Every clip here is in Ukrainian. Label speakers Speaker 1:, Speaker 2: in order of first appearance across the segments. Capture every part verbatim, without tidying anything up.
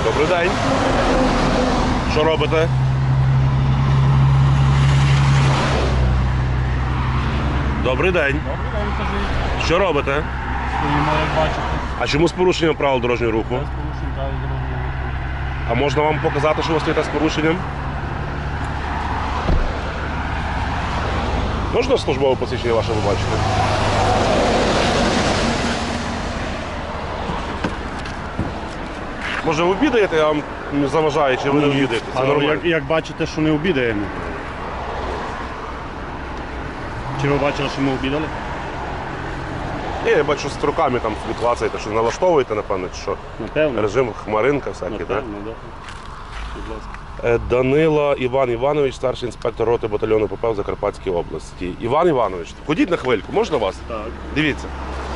Speaker 1: Добрий день. Що робите? Добрий день.
Speaker 2: Добрий день, кажіть.
Speaker 1: Що робите?
Speaker 2: Стоїмо, як бачите.
Speaker 1: А чому з порушенням правил дорожнього руху?
Speaker 2: Без порушень правил дорожнього руху.
Speaker 1: А можна вам показати, що ви стоїте з порушенням? Можна службове посвідчення ваше побачити? Може ви обідаєте, я вам не заважаю, чи ви не обідаєте? Це
Speaker 2: Але
Speaker 1: нормально.
Speaker 2: як, як бачите, що не обідаємо. Чи ви бачили, що ми обідали?
Speaker 1: Ні, я бачу, з руками там собі клацаєте, що налаштовуєте, напевно, чи що?
Speaker 2: Напевно.
Speaker 1: Режим хмаринка всякий, так?
Speaker 2: Напевно, так. Будь ласка.
Speaker 1: Е, Данила Іван Іванович, старший інспектор роти батальйону ПП в Закарпатській області. Іван Іванович, ходіть на хвильку, можна вас?
Speaker 2: Так.
Speaker 1: Дивіться.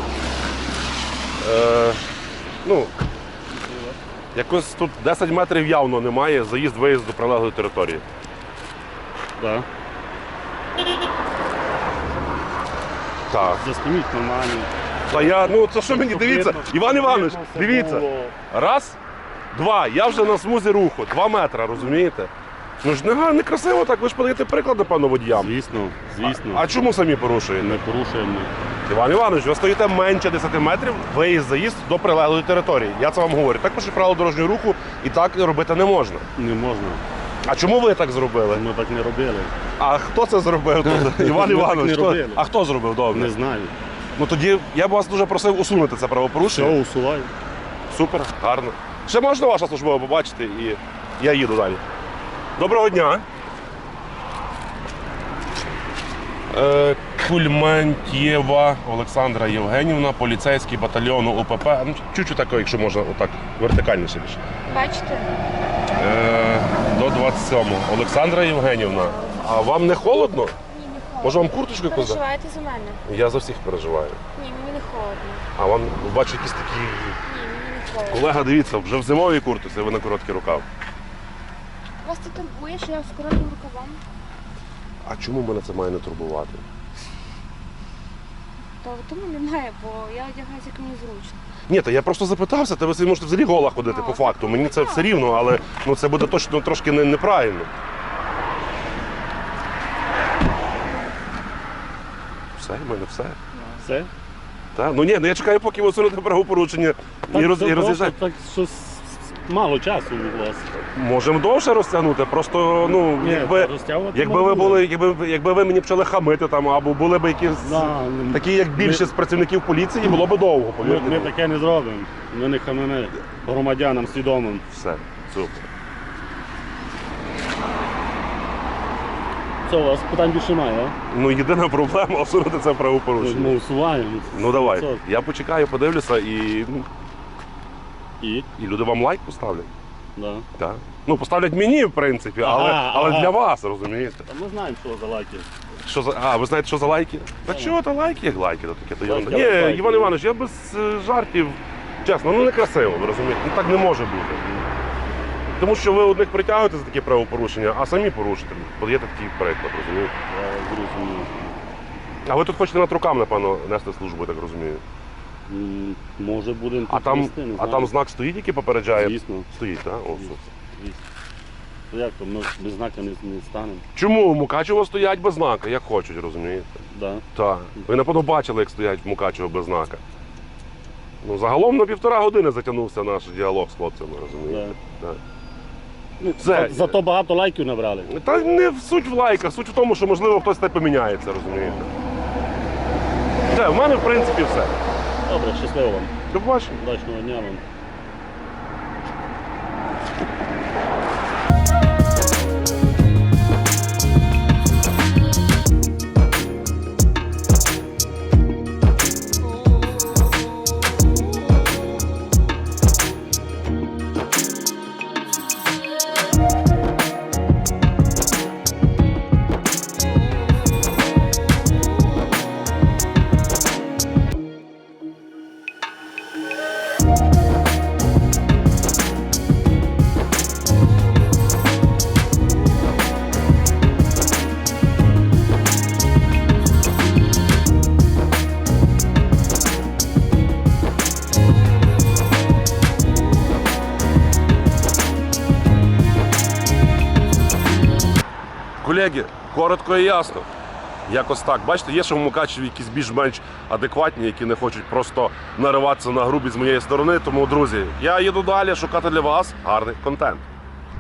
Speaker 1: Е, ну, якось тут десять метрів явно немає, заїзд-виїзд до прилеглої території.
Speaker 2: Так.
Speaker 1: Так.
Speaker 2: Засніміть нормально.
Speaker 1: Та я, ну це що мені, дивіться, Іван Іванович,
Speaker 2: Видно, все
Speaker 1: дивіться.
Speaker 2: було.
Speaker 1: Раз, два, я вже на смузі руху, два метри, розумієте? Ну ж не, га- не красиво так, ви ж подаєте приклад, напевно, водіям.
Speaker 2: Звісно, звісно.
Speaker 1: А чому самі порушуєте?
Speaker 2: Не порушуємо.
Speaker 1: Іван Іванович, ви стоїте менше десяти метрів, виїзд-заїзд до прилеглої території. Я це вам говорю. Так пише правило дорожнього руху і так робити не можна.
Speaker 2: Не можна.
Speaker 1: А чому ви так зробили?
Speaker 2: Ми так не робили.
Speaker 1: А хто це зробив тут? Іван
Speaker 2: Ми так
Speaker 1: Іванович,
Speaker 2: не
Speaker 1: хто?
Speaker 2: робили.
Speaker 1: А хто зробив? Добре.
Speaker 2: Не знаю.
Speaker 1: Ну тоді я б вас дуже просив усунути це правопорушення.
Speaker 2: Що усуваю?
Speaker 1: Супер, гарно. Ще можна ваша службова побачити і я їду далі. Доброго дня. Е, Кульмантьєва Олександра Євгенівна, поліцейський батальйон УПП. Ну, чуть-чуть тако, якщо можна, отак, вертикальніше більше.
Speaker 3: Бачите?
Speaker 1: Е, до двадцять сьомого. Олександра Євгенівна, а вам не холодно?
Speaker 3: Ні, не холодно.
Speaker 1: Може вам курточку якусь? дати?
Speaker 3: Переживаєте за мене?
Speaker 1: Я за всіх переживаю.
Speaker 3: Ні, мені не холодно.
Speaker 1: А вам, бачу, якісь такі...
Speaker 3: Ні, мені не холодно.
Speaker 1: Колега, дивіться, вже в зимовій куртці, ви на короткий рукав.
Speaker 3: Вас це турбує, що я з коротким рукавом?
Speaker 1: А чому мене це має не турбувати?
Speaker 3: То тому немає, бо я одягаюся як мені зручно.
Speaker 1: Ні, та я просто запитався, та ви собі можете взагалі гола ходити
Speaker 3: А,
Speaker 1: по факту. Мені це все рівно, але ну, це буде точно трошки не, неправильно. Все, в мене все.
Speaker 2: Все?
Speaker 1: Та? Ну ні, ну я чекаю, поки ви усунете правопорушення і, роз,
Speaker 2: це
Speaker 1: і
Speaker 2: просто
Speaker 1: роз'їжджаєте.
Speaker 2: Так, що с- мало часу у вас.
Speaker 1: Можемо довше розтягнути, просто ну,
Speaker 2: Ні,
Speaker 1: якби,
Speaker 2: розтягувати
Speaker 1: якби ви
Speaker 2: можна.
Speaker 1: були, якби, якби ви мені почали хамити там, або були б якісь
Speaker 2: Да,
Speaker 1: такі, як більшість працівників поліції, було б довго,
Speaker 2: Ми,
Speaker 1: повірте.
Speaker 2: ми таке не зробимо. Ми не хамимо громадянам свідомим.
Speaker 1: Все, супер.
Speaker 2: Це у вас питань більше немає, а?
Speaker 1: Ну, єдина проблема усунути це правопорушення.
Speaker 2: Ми усуваємо.
Speaker 1: Ну давай,
Speaker 2: Це-
Speaker 1: я почекаю, подивлюся і, ну,
Speaker 2: І?
Speaker 1: і люди вам лайк поставлять.
Speaker 2: Да.
Speaker 1: Так. Ну, поставлять мені, в принципі, але,
Speaker 2: Ага,
Speaker 1: але
Speaker 2: ага.
Speaker 1: для вас, розумієте?
Speaker 2: Та ми знаємо, що за лайки.
Speaker 1: Що за... А, ви знаєте, що за лайки? Та чого то лайки, як лайки, то таке. То
Speaker 2: Лайки,
Speaker 1: Ні,
Speaker 2: але лайки.
Speaker 1: Іван Іванович, я без е, жартів, чесно, ну не красиво, ви розумієте? Ну так не може бути. Тому що ви одних притягуєте за такі правопорушення, а самі порушите. Подаєте такий приклад, розумієте?
Speaker 2: Я зрозумів.
Speaker 1: А ви тут хочете над руками, напевно, нести службу, я так розумію.
Speaker 2: М, Може будемо
Speaker 1: А
Speaker 2: тут
Speaker 1: там,
Speaker 2: нести, не
Speaker 1: а
Speaker 2: знаю.
Speaker 1: там знак стоїть, який попереджає?
Speaker 2: Звісно.
Speaker 1: Стоїть, так? О,
Speaker 2: Звісно.
Speaker 1: супер.
Speaker 2: Звісно. То як то, ми без знака не, не станемо.
Speaker 1: Чому в Мукачево стоять без знака, як хочуть, розумієте?
Speaker 2: Да.
Speaker 1: Так. Ви напевно бачили, як стоять в Мукачево без знака. Ну, загалом на півтора години затягнувся наш діалог з хлопцями, розумієте? Так.
Speaker 2: Ну,
Speaker 1: Все.
Speaker 2: за- Зато багато лайків набрали.
Speaker 1: Та не в суть в лайках, суть в тому, що можливо хтось те поміняється, розумієте? Все, в мене в принципі все.
Speaker 2: Добре, щасливо вам.
Speaker 1: До побачення.
Speaker 2: Удачного дня вам.
Speaker 1: колеги, коротко і ясно. Якось так. Бачите, є ще в Мукачеві якісь більш-менш адекватні, які не хочуть просто нариватися на грубість з моєї сторони. Тому, друзі, я їду далі шукати для вас гарний контент.